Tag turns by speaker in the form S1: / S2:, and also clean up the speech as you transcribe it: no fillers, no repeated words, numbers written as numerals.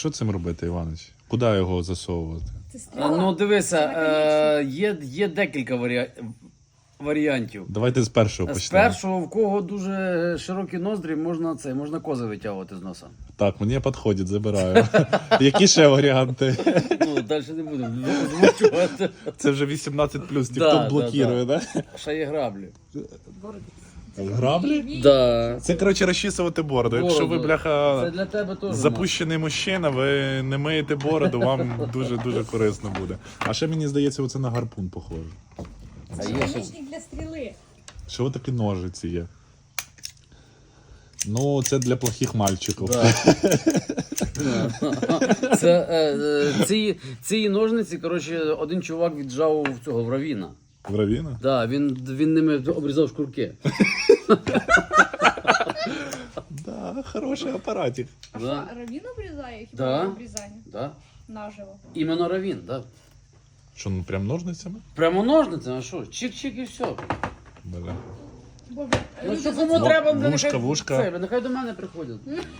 S1: Що цим робити, Іванович? Куди його засовувати?
S2: Ну, дивися, є декілька варіантів.
S1: Давайте з першого
S2: З
S1: почнемо.
S2: першого, в кого дуже широкі ноздрі, можна кози витягувати з носа.
S1: Так, мені підходить, забираю. Які ще варіанти?
S2: Ну, далі не будемо озвучувати.
S1: Це вже 18+,
S2: Да,
S1: TikTok блокує, да?
S2: Ще є граблі.
S1: Граблі?
S2: Да.
S1: Це, коротше, розчісувати бороду. Якщо ви,
S2: Це
S1: бляха,
S2: для тебе теж.
S1: запущений мужчина, ви не миєте бороду, вам дуже-дуже корисно буде. А ще, мені здається, оце на гарпун похоже.
S2: А є ще...
S3: Наконечник для стріли.
S1: Що такі ножиці є? Ну, це для плохих мальчиків.
S2: Да. Ці ножниці, коротше, один чувак віджав в Равіна.
S1: В Равіна?
S2: Да, він ними обрізав шкурки.
S1: Да, хороший апаратик.
S2: Да.
S3: Равін обрізає хіба
S2: Да.
S3: обрізання?
S2: Да.
S3: Наживо.
S2: Іменно Равін, да.
S1: Що, ну прям ножницями?
S2: Прямо ножницями, а що? Чик-чик і все.
S1: Бля.
S3: Боже,
S2: Ну
S3: люди
S2: що
S3: за
S2: кому
S3: це-
S2: треба,
S1: Вушка,
S2: нехай,
S1: вушка.
S2: нехай до мене приходять.